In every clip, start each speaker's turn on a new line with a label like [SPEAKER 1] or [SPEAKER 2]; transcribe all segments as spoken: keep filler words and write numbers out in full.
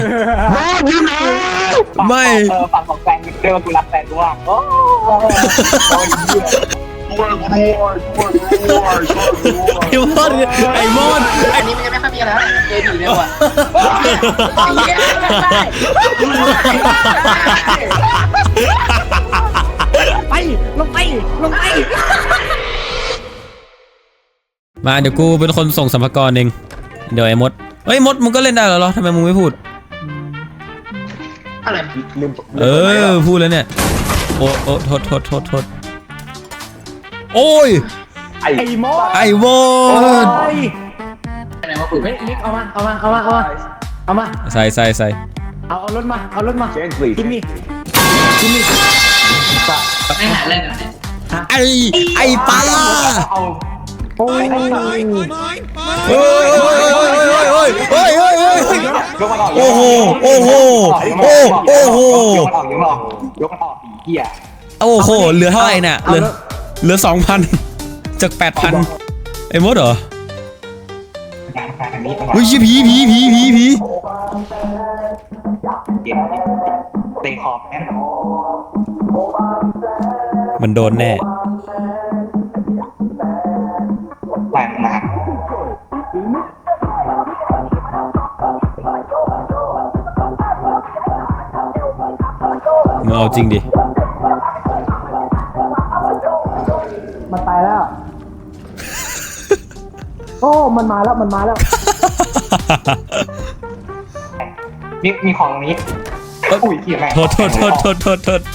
[SPEAKER 1] ไม่
[SPEAKER 2] เออฝั่งของแฟนเรียกว่ากูรักแฟนกูว่าโอ้ย
[SPEAKER 1] ไอ้มดไอ้มด
[SPEAKER 3] อันนี้มันยังไม่ค่อยมีอะไรแล้วเจดีเลยว่ะ
[SPEAKER 4] ไปลงไปลงไป
[SPEAKER 1] มาเดี๋ยวกูเป็นคนส่งสัมภาระเองเดี๋ยวไอ้มดเฮ้ยมดมึงก็เล่นได้เหรอทำไมมึงไม่พูด
[SPEAKER 3] อะไร
[SPEAKER 1] เออพูดแล้วเนี่ยโอ้โอ้โทษโทษโทษโทษโอ้ย
[SPEAKER 4] ไอ้มด
[SPEAKER 1] ไอ้มด
[SPEAKER 3] อะไรวะปุ๋ย
[SPEAKER 4] เฮ้ยนิกเอามาเอามาเอามาเอามาเอามา
[SPEAKER 1] ใส่ใส่ใส่
[SPEAKER 4] เอาเอารถมาเอารถมากินนี่กินนี่
[SPEAKER 3] ไม่หาเล่นเลย
[SPEAKER 1] ไอ้ไอ้ปลา
[SPEAKER 2] เอา
[SPEAKER 4] โอ้ย
[SPEAKER 1] เฮ้ยเฮ้ยเฮ้ยเฮ้ยเฮ้ยเฮ้ยเฮ้ย
[SPEAKER 2] ยกมันออก
[SPEAKER 1] โอ้โหโอ้โหโอ้โอ้โห
[SPEAKER 2] ยกมันออกยกมันออกยกมันออกเหี้ย
[SPEAKER 1] โอ้โหเหลือเท่าไหร่เนี่ยเหลือเหลือสองพันจากแปดพันไอ้มดเหรอ
[SPEAKER 2] อันนี้
[SPEAKER 1] เฮ้ยผีผีผีผีผี
[SPEAKER 2] เก็บเตะขอบแอน
[SPEAKER 1] มันโดนแน่
[SPEAKER 2] แหลกหนัก
[SPEAKER 1] มึงเอาจริงดิ
[SPEAKER 4] มันตายแล้วโอ้มันมาแล้วมันมาแล้ว
[SPEAKER 2] มีมีของนี้อุ้ยเหี้ยแม่ง
[SPEAKER 1] โทษโทษโทษโทษโทษโทษ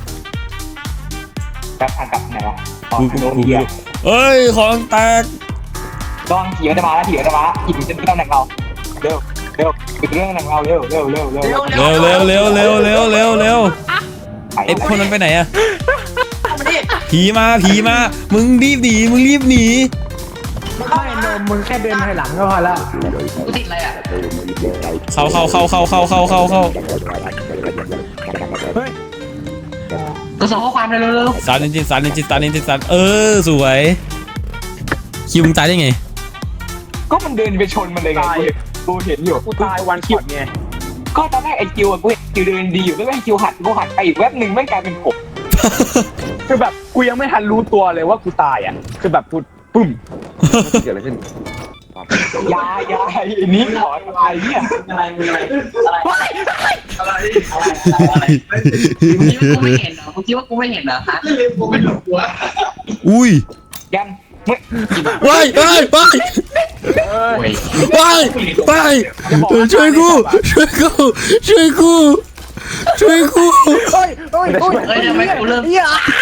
[SPEAKER 2] จะทางกลับไหนวะอ๋อ
[SPEAKER 1] กู
[SPEAKER 2] โดน
[SPEAKER 1] กู
[SPEAKER 2] เหี้ย
[SPEAKER 1] เอ้ยของแตก
[SPEAKER 2] ลองขี่มันจะมาแล้วขี่มันจะมาขี่มันจะเป็นตำแหน่งเราเร็วเร็วเป็นเรื่องตำแหน่งเราเร็วเร็วเร็วเร็ว
[SPEAKER 1] เร็วเร็วเร็วเร็วเร็วเร็วเร็วไอ้คนนั้นไปไหนอะผีมาผีมามึงรีบหนีมึงรีบหนี
[SPEAKER 4] ไม่นมมึงแค่เดินถอยหลังก็พอแล้ว
[SPEAKER 3] กูติดอะไรอ่ะ
[SPEAKER 1] เข้าเข้าเข้าเข้าเข้าเข้าเข้าเข้า
[SPEAKER 4] เฮ้ย
[SPEAKER 3] กูส่งข้อความเลยเร็ว
[SPEAKER 1] สารนินจิตสารนินจิตสารนินจิตสารเออสวยคิวมึงตายได้ไง
[SPEAKER 2] ก็มันเดินไปชนมันเลยไงกูเห็นอยู่
[SPEAKER 4] กูตายวันคิวไง
[SPEAKER 2] ก็ตอนแรกไอ้คิวอะกูเห็นคิวเดินดีอยู่แล้วไอ้คิวหันกูหันไปอีกแวบหนึ่งแม่งกลายเป็นผม
[SPEAKER 5] คือแบบกูยังไม่ทันรู้ตัวเลยว่ากูตายอ่ะคือแบบพูดปึ้มเกิดอะไรขึ้น
[SPEAKER 2] ยายยายไอ้นี้ขอตายเนี่ย
[SPEAKER 3] ๆอะไรอะไรอะไรอะไรอะไรมึงคิดว่ากูไม่เห็นเหรอมึงคิดว่ากูไม่เห็นเหรอฮะกูไม่หลงตัว
[SPEAKER 1] อุ้ย
[SPEAKER 2] ยันเมื่อ
[SPEAKER 1] ว้ายว้ายว้ายว้ายว้ายช่วยกูช่วยกูช่วยกูช่วยกู
[SPEAKER 4] เฮ้ยเฮ้ยเฮ้ย
[SPEAKER 3] เฮ้ยทำไมกูเริ่ม
[SPEAKER 4] เฮีย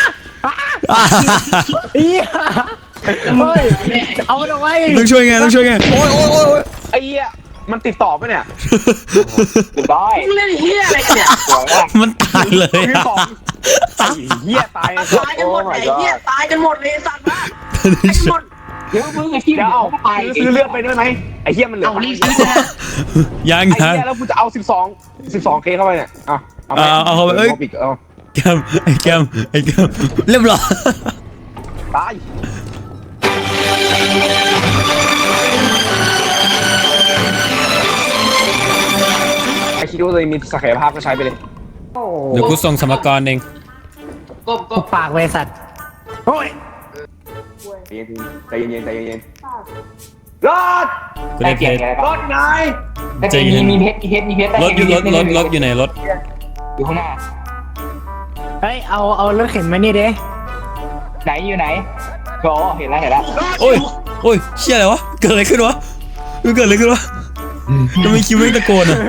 [SPEAKER 4] เฮียเฮ้ยเอามันเอาไว้
[SPEAKER 1] ต้องช่วยไงต้องช่วยไงโอ้ยโอ้ยโอ้ย
[SPEAKER 5] ไอ้เหี้ยมันติดต่อปะเนี่ย
[SPEAKER 2] ได้
[SPEAKER 3] มึงเล่นเฮียอะไรกันเนี่ย
[SPEAKER 2] สวยมาก
[SPEAKER 1] มันตายเลย
[SPEAKER 5] คือ
[SPEAKER 1] อะ
[SPEAKER 5] ของไอ้เหี้ยตาย
[SPEAKER 3] ตายกันหมดไอ้เฮียตายกันหมดเลยสัตว์บ้าตายกันหมด
[SPEAKER 2] เดี๋ยวมึงไอ้คิว
[SPEAKER 5] เดี๋ยวเอา
[SPEAKER 2] ไป
[SPEAKER 5] ซื้อเลือดไปด้วยไหมไอ้เหี้ยมันเหลือ
[SPEAKER 3] เอารีบซื้อนะ
[SPEAKER 1] ยัง
[SPEAKER 5] ไอ้
[SPEAKER 1] ยัง
[SPEAKER 5] เหี้ยแล้วกูจะเอาสิบสองสิบสองเคเข้าไปเนี่ยเอาเอา
[SPEAKER 1] เอาเอาเข้าไปเอ้ย
[SPEAKER 5] ปิดเอา
[SPEAKER 1] แกมไอ้แกมไอ้แกมเรียบร้อย
[SPEAKER 5] ตายไอ้คิดว่าตัวเองมีศักยภาพก็ใช้ไปเลย
[SPEAKER 1] เดี๋ยวกูส่งสมการเอง
[SPEAKER 3] ก้ม
[SPEAKER 4] กู
[SPEAKER 3] ก้ม
[SPEAKER 4] ปากไว้สัตว์โอ้ย
[SPEAKER 5] ใจเย็นๆใจเย็นๆใจเย็นๆรอด
[SPEAKER 1] กูได้เพ
[SPEAKER 2] เก่ง
[SPEAKER 1] ชร
[SPEAKER 2] อะไร
[SPEAKER 5] ร
[SPEAKER 2] ปะ
[SPEAKER 5] อดไง
[SPEAKER 1] ใจเย็
[SPEAKER 2] มี
[SPEAKER 1] น
[SPEAKER 2] มีเพชรมีเพชรมีเพชร
[SPEAKER 1] รถอยู่รถรถรถอยู่ไหนรถ
[SPEAKER 2] อยู่ข้างหน้า
[SPEAKER 4] เฮ้ยเอาเอารถเข็นมานี่เด้
[SPEAKER 2] ไหนอยู่ไหนโอ้เห็นแล้วเห็นแล้ว
[SPEAKER 1] โอ้ยโอ้ยเชี่ยอะไรวะเกิดอะไรขึ้นวะเกิดอะไรขึ้นวะทำไมคิวไม่ตะโกนอ่ะ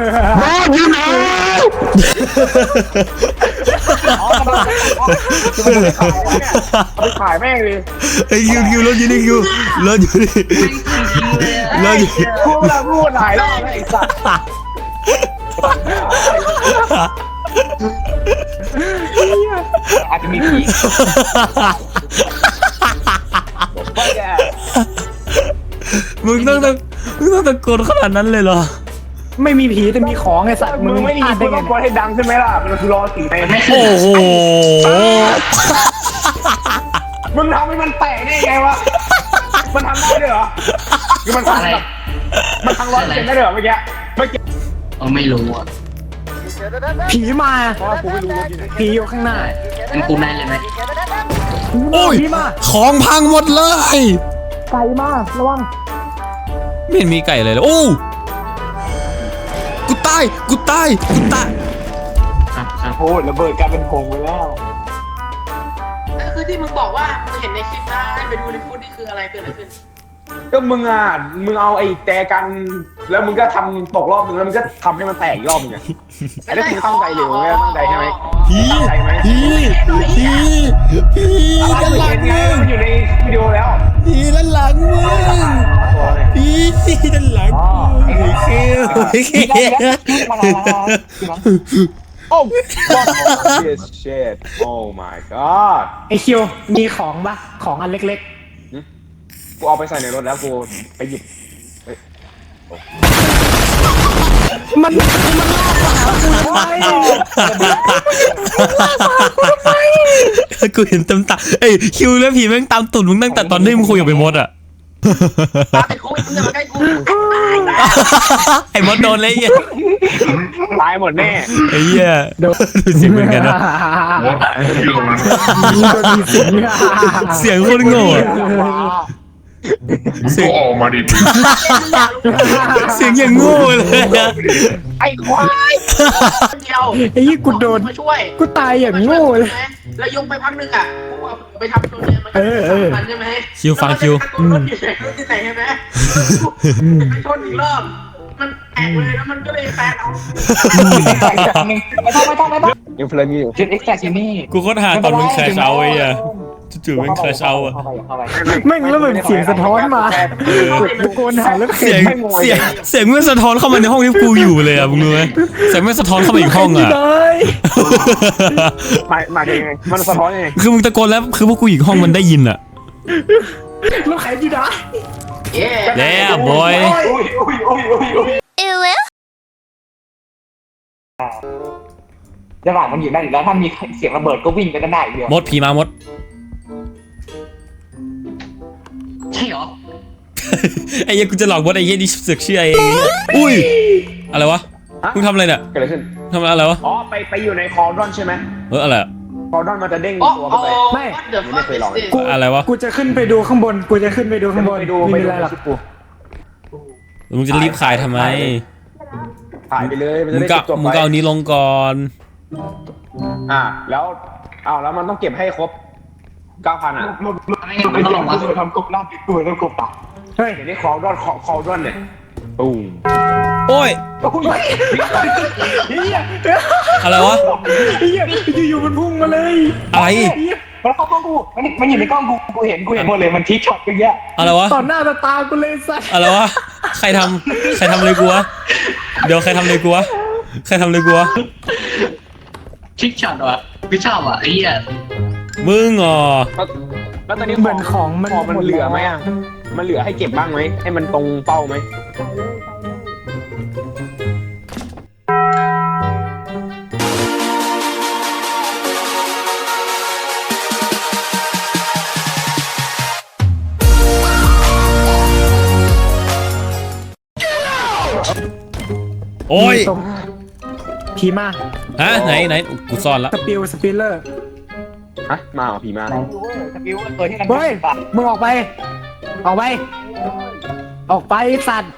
[SPEAKER 5] เอาไปขายแม่งเลย
[SPEAKER 1] ไอ้คิวคิวรถอยู่นี่คิวรถอยู่นี่รถอยู่
[SPEAKER 5] พูดแล้วพูดหลายรอบแล้วไอ้สัตว์
[SPEAKER 2] อาจจะมีผี
[SPEAKER 5] ไม่แก
[SPEAKER 1] มึงต้องตะมึงต้องตะโกนขนาดนั้นเลยเหรอ
[SPEAKER 4] ไม่มีผีแต่มีของไอ้สัตว์
[SPEAKER 5] มึงไม่ได้ยิน
[SPEAKER 4] พ
[SPEAKER 5] กู
[SPEAKER 4] ลา
[SPEAKER 5] ต้องกดให้ดังใช่ไหมล่ะมันคือรอสีเต็ม
[SPEAKER 1] โอ้โห
[SPEAKER 5] มึงทำให้มันแตกได้ไงวะมันทำได้ด้วยเหรอคือมันทำ
[SPEAKER 3] อะไร
[SPEAKER 5] แบบมันทำร้อยเปอร์เซ็นต์ได้ด้วยเหรอเมื่อกี้เมื่อกี้
[SPEAKER 3] เออไม่รู้อ่ะ
[SPEAKER 4] ผีมา
[SPEAKER 5] เพราะว่ากูไม่รู้รถอยู่ไหน
[SPEAKER 4] ผีอยู่ข้างหน้า
[SPEAKER 3] เป็นกูนายเลยไหม
[SPEAKER 1] โอ้ย
[SPEAKER 4] ผีมา
[SPEAKER 1] ของพังหมดเลย
[SPEAKER 4] ไก่มาระวัง
[SPEAKER 1] ไม่เห็นมีไก่เลยเลยโอ้กูตายกูตายกูตาย
[SPEAKER 3] ครับครับ
[SPEAKER 2] โอ้ระเบิดกลายเป็นผงไปแล้ว
[SPEAKER 6] นั่นคือที่มึงบอกว่ามึงเห็นในคลิปนะให้ไปดูในฟุตนี่คืออะไรเกิดอะไรขึ้น
[SPEAKER 5] ก็มึงอ่ะมึงเอาไอ้แต่กันแล้วมึงก็ทำตกรอบนึงแล้วมึงก็ทำให้มันแตกอีกรอบนึงไงไอ้นั่นคือตั้งใจหรือไม่ตั้งใจใช่ไหม
[SPEAKER 1] ผี
[SPEAKER 5] ตั้งใจไหม
[SPEAKER 1] ผีผีผี
[SPEAKER 5] อะไร
[SPEAKER 1] ด้านหลัง
[SPEAKER 5] เห็นไง
[SPEAKER 1] มึง
[SPEAKER 5] มันอยู่ในวิดีโอแล้ว
[SPEAKER 1] ผีด้านหลังมึงผีด้านหลังมึงไอ้คิวไอ้คิว
[SPEAKER 5] โอ้ fuck this shit oh my god
[SPEAKER 4] ไอคิวมีของปะของอันเล็ก
[SPEAKER 5] กูเอาไปใส่ในรถแล้วกูไปหยิบ
[SPEAKER 4] ๆ มันมันลากมาหากูทำไม
[SPEAKER 1] กูเห็นเต็มตาเอ้ยคิวแล้วผีแม่งตามตุ่นมึงตั้งแต่ตอนที่มึงคุยกับไอ้มดอะ
[SPEAKER 6] ตาไอ้กูมึงอย่ามาใกล้กู
[SPEAKER 1] ไอ้มดโดนเลยไอ้เหี้ย
[SPEAKER 5] ตายหมดแน่
[SPEAKER 1] ไอ้เหี้ยดูเสียงเหมือนกันนะ
[SPEAKER 4] โดนมีสิง
[SPEAKER 1] เสียงโคตรโง่อะเสียง
[SPEAKER 7] ออกมาดิ
[SPEAKER 1] เสียงอย่างโง่เลยอะ
[SPEAKER 5] ไอ้ควาย
[SPEAKER 6] คนเดียว
[SPEAKER 4] ไอ้ยี่กูโดน
[SPEAKER 6] มาช่วย
[SPEAKER 4] กูตายอย่างโง่เลย
[SPEAKER 6] แล้วยกไปพักนึงอ่ะกูเอาไปทำตัวเนี้ยมัน
[SPEAKER 4] เออเออ
[SPEAKER 6] มันใช่ไหม
[SPEAKER 1] คิวฟังคิว
[SPEAKER 6] รถอยู่ไหนรถที่ไหนใช่ไหมไปชนอีกรอบมันแตกเลยแล้วมันก็เลยแฟนเอา
[SPEAKER 2] ไม่ต้องไม่ต้องไม่ต้อง
[SPEAKER 5] ยังเพลินอยู่
[SPEAKER 2] จุดเอ็กซ์แซกนี่
[SPEAKER 1] กูโคตรหาตอนมึงแคชเอาไอ้อะจู่ๆมึงแคชเอาอะ
[SPEAKER 2] เข้าไปเข้าไป
[SPEAKER 4] แม่งแล้วแบบเสียงสะท้อนมากูโกนหาแล้ว
[SPEAKER 1] เสียงเสียงเสียงมันสะท้อนเข้ามาในห้องที่กูอยู่เลยอะมึงรู้ไหมเสียงมันสะท้อนเข้ามาอีกห้องอะ
[SPEAKER 4] เลย
[SPEAKER 5] มามายังไงมันสะท้อนยังไง
[SPEAKER 1] คือมึงตะโกนแล้วคือพวกกูอีกห้องมันได้ยินอะ
[SPEAKER 4] แล้วใครอยู่ไหน
[SPEAKER 6] เย้
[SPEAKER 1] แล้วบอย
[SPEAKER 2] อุ้ยอุ้ยอุ้ยอุ้ยอุ้ยระหว่างมันอยู่นั่นอยู่แล้วถ้ามีเสียงระเบิดก็วิ่งไปด้านหน้าอีกเดียว
[SPEAKER 1] มดผีมามด
[SPEAKER 3] ใช่เหรอ
[SPEAKER 1] ไอ้เหี้ยกูจะหลอกมดไอ้เหี้ยนี่เสือกเชื่อเองอุ้ยอะไรวะมึงทำอะไรเนี่ย
[SPEAKER 5] เกิดอะไรขึ้น
[SPEAKER 1] ทำอะไรวะ
[SPEAKER 5] อ๋อไปไปอยู่ในคอร์ดอนใช่ไหม
[SPEAKER 1] เอออะไรอะ
[SPEAKER 5] คอร์ดอนมันจะเด้ง
[SPEAKER 6] โอ้
[SPEAKER 5] ตัว
[SPEAKER 6] โห
[SPEAKER 5] เข้าไป
[SPEAKER 6] what the fuck is this
[SPEAKER 4] กู
[SPEAKER 1] อะไรวะ
[SPEAKER 4] กูจะขึ้นไปดูข้างบน กูจะขึ้นไปดูข้างบน
[SPEAKER 5] ไปดู
[SPEAKER 4] ไม่
[SPEAKER 5] ไป
[SPEAKER 4] มี
[SPEAKER 5] ดู
[SPEAKER 4] อะไรหรอก
[SPEAKER 5] ชิปกู
[SPEAKER 1] มึงจะรีบขายทำไม
[SPEAKER 5] ถ่ายไปเลยมัน
[SPEAKER 1] มึ
[SPEAKER 5] จะ
[SPEAKER 1] ง
[SPEAKER 5] ได้
[SPEAKER 1] ก็
[SPEAKER 5] จบ
[SPEAKER 1] มึง
[SPEAKER 5] ไป
[SPEAKER 1] ก็เอานี้ลงก่อน
[SPEAKER 5] อ่าแล้วอ้าวแล้วมันต้องเก็บให้ครบเก้าพันอ่ะ
[SPEAKER 2] รถรถรถไม่ต้องมาทำกบลาบตัวแล้วกบตัก
[SPEAKER 4] เฮ้ย
[SPEAKER 5] เดี๋ยวนี้คอร์ดอนคอร์ดอนเนี่ยตูม
[SPEAKER 1] โอ้ยอะไรวะ
[SPEAKER 4] เฮียอยู่ๆมันพุ่งมาเลย
[SPEAKER 1] อะไร
[SPEAKER 2] มันเข้ากล้องกูมันมันอยู่ในกล้องกูกูเห็นกูเห็นหมดเลยมันทิกช็อตเยอะ
[SPEAKER 1] อะไรวะ
[SPEAKER 4] ต่อหน้าต่อตากูเลยสัส
[SPEAKER 1] อะไรวะใครทำใครทำเลยกูวะเดี๋ยวใครทำเลยกูวะใครทำเลยกูวะ
[SPEAKER 3] ชิคช็อตวะกูชอบอ่ะไอ้เหี้ย
[SPEAKER 1] มึงอ๋อ
[SPEAKER 5] แล้วแล้วตอนนี้
[SPEAKER 4] เหมือนของมัน
[SPEAKER 5] ของมันเหลือไหมอ่ะมันเหลือให้เก็บบ้างไหมให้มันตรงเป้าไหม
[SPEAKER 1] โอ้ย
[SPEAKER 4] ตรงผีมา
[SPEAKER 1] ฮะไหนไหนกูซ่อนละ
[SPEAKER 4] สปิลสปิลเลอร์
[SPEAKER 5] ฮะมาเหรอผีมา
[SPEAKER 2] ๆสกิลตัวที่มัน
[SPEAKER 4] เฮ้ย มึงออกไป ออกไป ออกไปสัตว์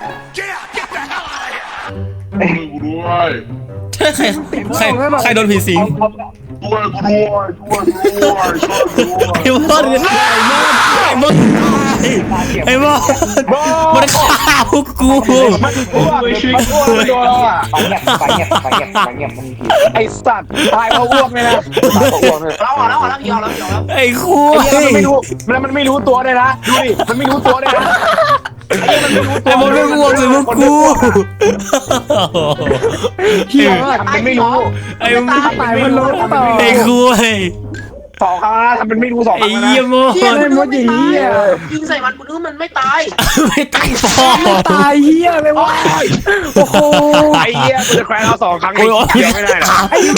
[SPEAKER 7] กูด้วย
[SPEAKER 1] ใช่ใครใครใครโดนผีสิง
[SPEAKER 7] ด้วยกูด้วยด้วยด้วยช่วยด้วย
[SPEAKER 1] ไอ้มดไอ้มดไอ้มดมันฆ่าพวกกู
[SPEAKER 5] อ้วกมันอ้วกมันโดนแล้วอ่ะ
[SPEAKER 2] ไปเงียบไปเงียบไปเงียบไปเงียบมันผี
[SPEAKER 5] ไอสัตว์ตายเพราะอ้วกเลยนะตายเพราะอ้วกเลย
[SPEAKER 6] เราเอาแล้วเอาแล้วพี่เอาแล้วพี่เอาแล้ว
[SPEAKER 1] ไอ้คุ
[SPEAKER 5] ไอ้
[SPEAKER 1] ย
[SPEAKER 5] เหี้ยมันไม่รู้แล้วมันไม่รู้ตัวเลยนะดูดิมันไม่รู้ตัวเลยนะ
[SPEAKER 1] ไอ้มดไม่กลัวสิพวกกู
[SPEAKER 4] เฮีย
[SPEAKER 5] มันไม่รู้
[SPEAKER 1] ไอ้
[SPEAKER 4] ตาตายมันรู้เปล่า
[SPEAKER 1] ไอ้คุย
[SPEAKER 5] สสองครั้งนะทำเป็นไม่รู้สองค
[SPEAKER 1] ไอ้
[SPEAKER 5] รั้ง
[SPEAKER 1] เหี้ย
[SPEAKER 5] นะ
[SPEAKER 1] โม
[SPEAKER 6] เหี้ย
[SPEAKER 1] ด
[SPEAKER 6] มันรู้ไม่ตายยิงใส่มันกูนึกว่ามันไม่ตาย
[SPEAKER 1] ไม่ตั้งฟอ
[SPEAKER 4] ตายเฮียเลยวะโอ้โห
[SPEAKER 5] ไอ้เหี้ยกูจะแควนเอาสองครั้งไอ้เหี้ยไม่ได้หรอ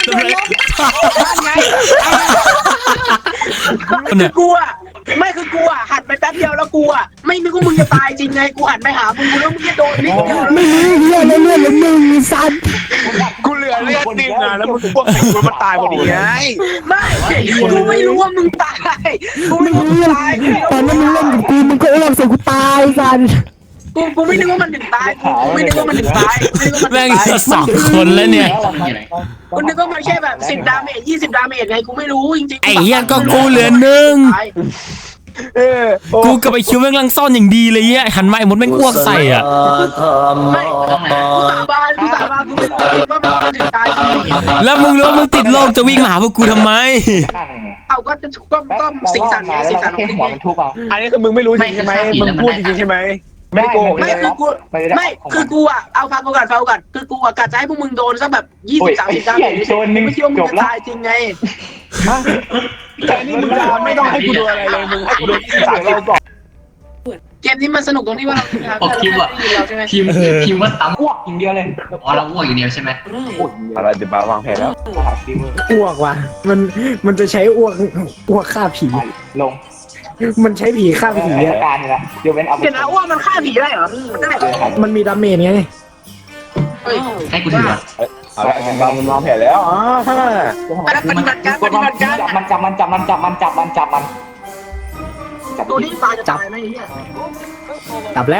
[SPEAKER 6] คือกูอ่ะไม่คือกูอ่ะหันไปแป๊บเดียวแล้วกูอ่ะไม่นึกว่ามึงจะตายจริงไงกูหันไปหามึงกูแล้วมึงจะโดนนิดเดียว
[SPEAKER 4] ไม่รู้เฮียเลยเลือดเลยหนึ่งสัตว์
[SPEAKER 5] กูเหลือเลือดหนึ่งอ่ะแล้วมึงพวกติดกูมันตายพอดีไง
[SPEAKER 6] ไม่กูไม่รู้ว่ามึงตายกู
[SPEAKER 4] ไม่
[SPEAKER 6] ไม่รู้
[SPEAKER 4] รู้
[SPEAKER 6] ว่ามึง
[SPEAKER 4] เรื่อง
[SPEAKER 6] ตาย
[SPEAKER 4] ตอนนั้นมึงเล่นกับกูมึงก็อ้วกใส่กูตายสัตว์
[SPEAKER 6] กูกูไม่นึกว่ามันถึงตายกูกูไม่นึกว่ามันถึงตายไม่นึกว่ามัน
[SPEAKER 1] แม่ง
[SPEAKER 6] ถึงตาย
[SPEAKER 1] จะสองคนแล้วเนี่ย
[SPEAKER 6] กูนึกว่ามันแค่แบบสิบดาเมจยี่สิบดาเมจไงกูไม่รู้จริงๆ
[SPEAKER 1] ไอ้เหี้ยก็กูเหลือหนึ่ง
[SPEAKER 5] เออ
[SPEAKER 1] กูกับไอ้คิวแม่งลังซ่อนอย่างดีเลยเหี้ยหันมาไอ้มดแม่งอ้วกใส่อ่ะ
[SPEAKER 6] ไม่กูสาบานกูสาบานกูไม่รู้ว่ามันถึงตายจริง
[SPEAKER 1] แล้วมึงรู้ว่ามึงติดโรคจะวิ่งมาหาพวกกูทำไม
[SPEAKER 6] เอาก็จะก็ก็สีสันไงสีสันของ
[SPEAKER 2] หัว
[SPEAKER 6] เพล
[SPEAKER 2] มัน
[SPEAKER 6] ง
[SPEAKER 2] ทุบเอา
[SPEAKER 5] อันนี้คือมึงไม่รู้จริงใช่ไหมมึงพูดจริงใช่ไหมไม่โกหก
[SPEAKER 6] ไม่คือกูไม่คือกูอ่ะเอาฟังกูก่อนฟังกูก่อนคือกูอ่ะกะจะให้พวกมึงโดนสักแบบยี่สิบสามสิบดาเมจไม่คิดว่ามึงจะตายจริงไง
[SPEAKER 5] แต่นี่มึงไม่ต้องให้กูดูอะไรเลยมึงให้กูดูที่สามเราก่อน
[SPEAKER 6] เกมนี้มันสนุกตรงที่ว่าเรา
[SPEAKER 3] บอกคิวอะ
[SPEAKER 6] เราใช่ไหม
[SPEAKER 3] พิมพ์พิมพ์ว่าตำ
[SPEAKER 2] อ้วกอย่างเดียวเลย
[SPEAKER 3] อ๋อเราอ้วกอย่างเดียวใช่ไหม
[SPEAKER 5] อะไรจะมาวางแผนแล้ว
[SPEAKER 2] หาฟิว
[SPEAKER 4] อ้วกว่ะมันมันจะใช้อ้วกอ้วกฆ่าผี
[SPEAKER 2] ลง
[SPEAKER 4] มันใช้ผีฆ่าผี
[SPEAKER 2] เทศ
[SPEAKER 4] อะ
[SPEAKER 2] กาลนี่แหละเดี๋ยวเป็นเอาไป
[SPEAKER 6] เดี๋ยวนะว่ามันฆ่าผีได้เหรอมันได้
[SPEAKER 4] มันมีดาเมจไง
[SPEAKER 6] เฮ้ย
[SPEAKER 3] ให้กูถือก่อน
[SPEAKER 5] เอาละวางวางแผนแล้วอ๋อ
[SPEAKER 6] แล้วปฏิบัติการปฏิบัติการ
[SPEAKER 2] มันจับมันจับมันจับมันจับมันจับมันจับ
[SPEAKER 6] ตัวนี้ตายจะตายไหมเนี่ย
[SPEAKER 4] จับแล้ว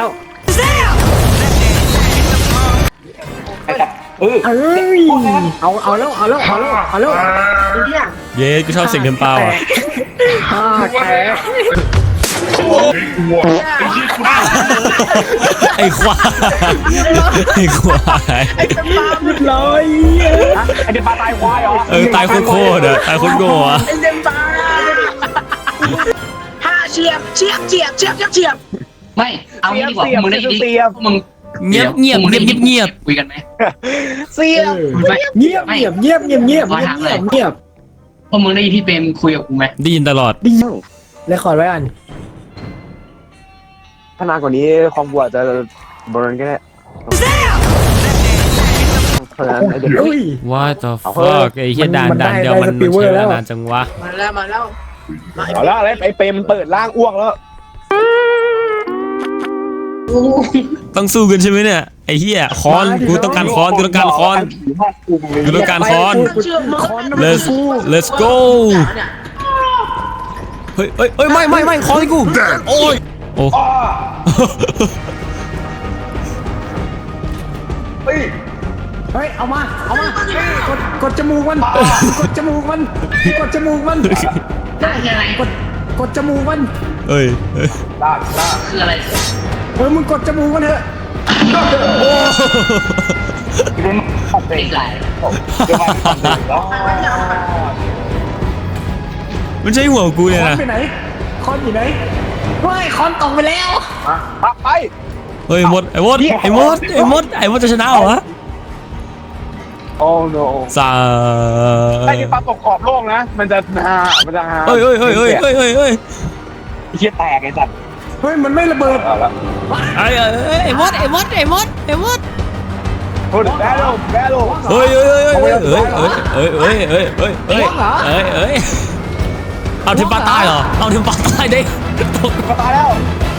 [SPEAKER 2] ไปจับเออ
[SPEAKER 4] เอ้ยเอาเอาแล้วเอาแล้วเอาแล้วเอาแล้ว
[SPEAKER 6] เนี่ย
[SPEAKER 1] เย้กูชอบเสียงเดินเปล่าอ่ะ
[SPEAKER 4] ห้าแตก
[SPEAKER 1] ไอ้ควายไอ้ควาย
[SPEAKER 6] ไอ้เป็นปลา
[SPEAKER 4] เรียบร้อย
[SPEAKER 5] ไอเด็กปลาตายควายเหรอ
[SPEAKER 1] เออตายโคตรๆอ่ะตายโคตรโง่อ่ะ
[SPEAKER 6] ไอ้เป็นปลาห้าเฉียบเฉียบเฉียบเฉียบเฉียบเฉียบ
[SPEAKER 3] ไม่เอางี้ดีกว่ามึงได้ดีมึง
[SPEAKER 1] เงียบเงียบเงียบเงียบเงียบ
[SPEAKER 3] คุยกันไหม
[SPEAKER 6] เสียบ
[SPEAKER 4] เงียบเงียบเงียบเงียบเงียบเงียบเงียบเงียบ
[SPEAKER 3] พวกมึงได้ยินที่เป็นคุยกับกูไหม
[SPEAKER 1] ได้ยินตลอด
[SPEAKER 4] ดีเลยขอไว้อัน
[SPEAKER 5] ถ้านานกว่านี้ความกลัวจะบริเวณก็ได้เพราะฉะนั้นไอเด็ก
[SPEAKER 4] อุ้ย
[SPEAKER 1] What the fuck ไอ้เหี้ยด่านด่านเดียวมันมันใช้เวลานานจังวะ
[SPEAKER 6] มาแล้วมาแล้ว
[SPEAKER 5] เอาละอะไรไอเปรมเปิดร่างอ้วกแล้ว
[SPEAKER 1] ต้องสู้กันใช่ไหมเนี่ยไอ้เหี้ยค้อนกูต้องการค้อนกูต้องการค้อนกูต้องการค้อน
[SPEAKER 6] เชื่อมึง
[SPEAKER 1] let's let's go เฮ้ยเฮ้ยเฮ้ยไม่ไม่ไม่ค้อนให้กูโอ้ยโอ้
[SPEAKER 5] เฮ้ย
[SPEAKER 4] เฮ้ยเอามาเอามากดกดจมูกมันกดจมูกมันกดจมูกมัน
[SPEAKER 3] ได้คืออะไร
[SPEAKER 4] กดกดจมูกมัน
[SPEAKER 1] เอ้ยเอ้ย
[SPEAKER 5] ลากลาก
[SPEAKER 3] คืออะไร
[SPEAKER 4] เออมึงกดจมูกมันเถอะ
[SPEAKER 2] เรื่องของเป็
[SPEAKER 3] ไม่
[SPEAKER 2] น
[SPEAKER 3] ไกล
[SPEAKER 2] เรื่องของเป็นแล้ว
[SPEAKER 1] มันใช่หัวกูเนี่ย
[SPEAKER 4] คอน
[SPEAKER 1] นะ
[SPEAKER 4] ไปไหนคอนอยู่ไหนไม่คอนตกไปแล้ว
[SPEAKER 5] มาไป
[SPEAKER 1] เฮ้ยมดไอ้มดไอ้มดไอ้มดไอ้มดจะชนะเหรอวะ
[SPEAKER 5] โอ้ no
[SPEAKER 1] สา
[SPEAKER 5] ไอ้นี่ปลาตกขอบโลกนะมันจะฮามันจะฮา
[SPEAKER 1] เฮ้ยเฮ้ยเฮ้ยเฮ้ยเฮ้ยเฮ้ยเฮ้ย
[SPEAKER 2] เชี่ยแตกไอ้สัตว์
[SPEAKER 4] เฮ้ยมันไม่ระเบิด
[SPEAKER 5] เอาละ
[SPEAKER 1] ไอ้ไอ้มดไอ้มดไอ้มดไอ้มด
[SPEAKER 5] โอ้ยแบลแบล
[SPEAKER 1] เฮ้ยเฮ้ยเฮ้ยเฮ้ยเฮ้ยเฮ้ยเฮ้ยเฮ้ยเฮ้ยเฮ้ยเฮ้ยเฮ้ยเอาทีมปลาตายเหรอเอาทีมปลาตายดิ
[SPEAKER 5] มาตายแล้ว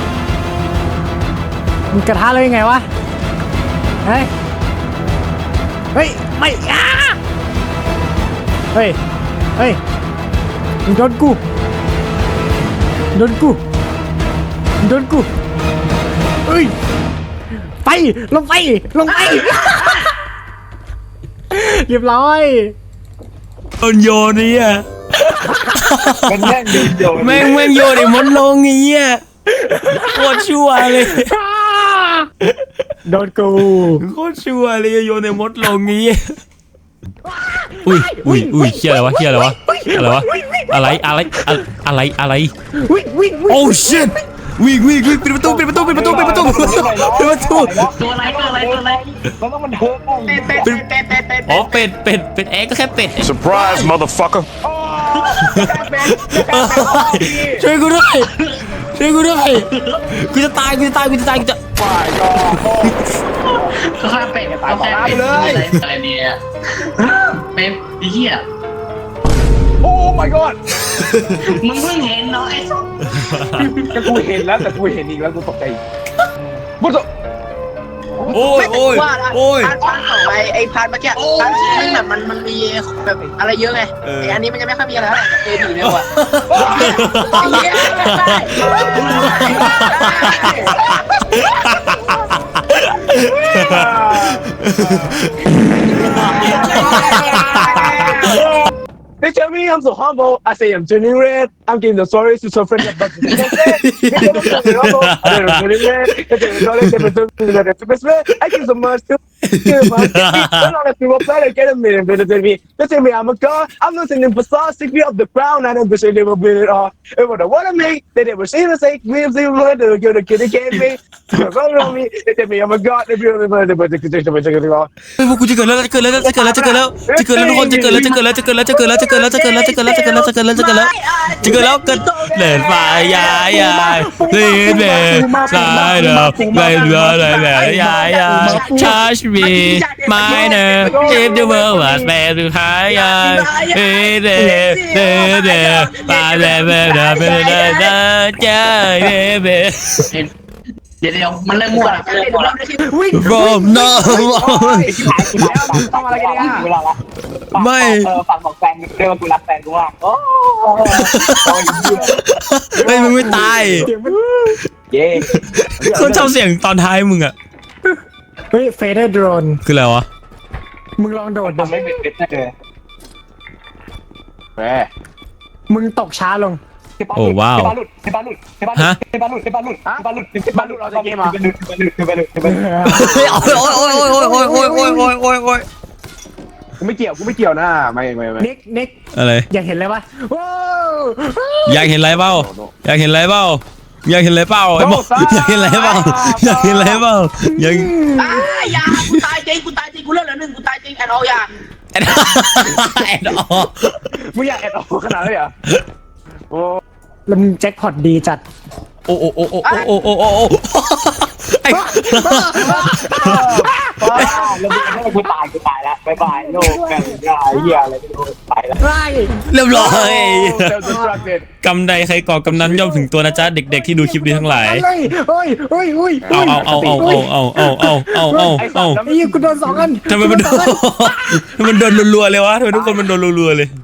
[SPEAKER 4] มึงกระทะเลยยังไงวะเฮ้ยเฮ้ยไม่อ้าเฮ้ยเฮ้ยมึงโดนกูโดนกูโดนกูเฮ้ยไปลงไปลงไปเรียบร้อย
[SPEAKER 1] โดนโยนนี่อ่ะ
[SPEAKER 2] มันแม่งเดินโยน
[SPEAKER 1] แม่งแม่งโยนไอ้มดลงอย่างเงี้ยโคตรชั่วเลย
[SPEAKER 4] โดนกู
[SPEAKER 1] โคตรชั่วเลยโยนไอ้มดลงงี้อุ้ยอุ้ยอุ้ยเฮียอะไรวะเฮียอะไรวะอะไรวะอะไรอะไรอะไรอะไร
[SPEAKER 4] วิ่งวิ่งวิ่ง
[SPEAKER 1] โอ้ shit วิ่งวิ่งวิ่งปิดประตูปิดประตูปิดประตูปิดประตูปิดประตู
[SPEAKER 3] ตัวอะไรตัวอะไรตัวอะไร
[SPEAKER 2] มันต้องมันเทิร์นได้
[SPEAKER 6] เป็ดเป็ดเป็ดเป็ดเป็ด
[SPEAKER 1] อ๋อเป็ดเป็ดเป็ดแอ๊กก็แค่เป็ด
[SPEAKER 7] Surprise, motherfucker.
[SPEAKER 1] ช่วยกูด้วยช่วยกูด้วยกูจะตายกูจะตายกูจะตายกูจะ
[SPEAKER 5] ฝ่ายก็
[SPEAKER 3] ก็แค่เป็ดก็แค่เป็ดอะไรอะไรเนี่ยเป็ดไอ้เหี้ย
[SPEAKER 5] โอ้ my god
[SPEAKER 3] มึงเพิ่งเห็นเนาะไอ้สัส
[SPEAKER 5] ก็กูเห็นแล้วแต่กูเห็นอีกแล้วกูตกใจกูตก
[SPEAKER 1] โอ้ยโอ้ย
[SPEAKER 6] ว่า
[SPEAKER 1] โอ้ย
[SPEAKER 6] พาร์ทพาร์ทของไอ้ไอ้พาร์ทเมื่อกี้พาร์ทที่มันแบบมันมันมีแบบอะไรเยอะไงไอ้อันนี้มันจะไม่ค่อยมีอะไรเท่าไหร่เอดีเลยว่ะไอ้เหี้ย
[SPEAKER 5] They tell me I'm so humble. I say I'm turning red. I'm giving the stories to some friends about the I give so much to I people play get a million better than me. They tell me I'm a god. I'm listening for sauce. Stick me up the ground. I don't wish they never been it all. It was what I make. They never see the same. We have seen what they're going to get again me. On me. They tell me I'm a god. They feel the money, but the condition was taking it all.
[SPEAKER 1] เฮ้ยพวกกูจะเกิดแล้วจะเกิดแล้วจะเกิดแล้วจะเกิดแล้วจะเกิดแล้วทุกคนจะเกิดแล้วจะเกิดแล้วจะเกิดแล้วจะเกิดแล้วจะเกิดแล้วจะเกิดแล้วจะเกิดแล้วจะเกิดแล้วจะเกิดแล้วจะเกิดแล้วจะเกิดแล้วเกิดเล่นไฟยายยายลีนเบสายเดอเล่นเรือเลยเลยยายยาย touch me my name if the world was made to high yay hey there there there by the way the way the jay
[SPEAKER 3] เดี๋ยวเดี๋ยวมันเริ่มมั่วแล้วมันเริ่มมั่วแล้ว
[SPEAKER 1] from no
[SPEAKER 2] ต้องอะไรกันเนี่ยเวลาละเออฝากบอกแฟนเรียกว่ากูรักแฟนกูมากโอ้
[SPEAKER 1] เฮ้ยมึงไม่ตาย
[SPEAKER 2] เย้
[SPEAKER 1] คนชอบเสียงตอนท้ายมึงอะ
[SPEAKER 4] เฮ้ยเฟเธอร์โดรน
[SPEAKER 1] คืออะไรวะ
[SPEAKER 4] มึงลองโดดดู
[SPEAKER 2] ทำไม่เป็นเด็ดเลย
[SPEAKER 5] แหม
[SPEAKER 4] มึงตกช้าลง
[SPEAKER 1] โอ้ว้าว
[SPEAKER 2] เทปาลุดเทปาลุดเทปาลุดเทปาลุดเทปาลุดเทปาลุดเทปาลุดเราจะเกมอ่ะเทปาลุดเทปาลุดเทปาลุดเทปาลุด
[SPEAKER 1] โอ้ยโอ้ยโอ้ยโอ้ยโอ้ยโอ้ยโอ้ยโอ้ยโอ้ยโอ้ยโอ้ย
[SPEAKER 5] กูไม่เกี่ยวกูไม่เกี่ยวนะไม่ไม่ไม่
[SPEAKER 4] นิกนิก
[SPEAKER 1] อะไร
[SPEAKER 4] อยากเห็นเลยปะว้าว
[SPEAKER 1] อยากเห็นอะไรเปล่าอยากเห็นอะไรเปล่าอยากเห็นอะไรเปล่าไอ้หมออยากเห็นอะไรเปล่าอยากเห็นอะไรเปล่าอยาก
[SPEAKER 6] อ่าอย่ากูตายจริงกูตายจริงกูเลือดเหลือหนึ่งกูตายจริงแอนออลอย่า
[SPEAKER 1] แอดแอดออ
[SPEAKER 5] มึงอยากแอดออกขนาดนั้นเลยเหรอโอ้
[SPEAKER 4] แล้วมึงแจ็คพอตดีจัด
[SPEAKER 1] โอ้โอ้โอ้โอ้โอ้โอ้โอ้โอ้ไอ้
[SPEAKER 2] ป้าแล้วมึงกูตายกูตายแล้วบายบายโลกแก่ยาเหี้ยอะไรไม่รู้ไปแล้ว
[SPEAKER 4] ไร
[SPEAKER 1] เรียบร้อย
[SPEAKER 5] เซลล์ดิสตรักเต็ด
[SPEAKER 1] กำใดใครก่อกำนั้นย่อมถึงตัวนะจ๊ะเด็กๆที่ดูคลิปนี้ทั้งหลาย
[SPEAKER 4] อะไรเฮ้ยเฮ้ยเฮ้ย
[SPEAKER 1] เอาเอาเอาเอาเอาเอาเอาเอาเอาเอาเอา
[SPEAKER 4] ไอ้ยี่กูโดนสองอัน
[SPEAKER 1] ทำไมมันโดนทำไมมันโดนรัวๆเลยวะทำไมทุกคนมันโดนรัวๆเลย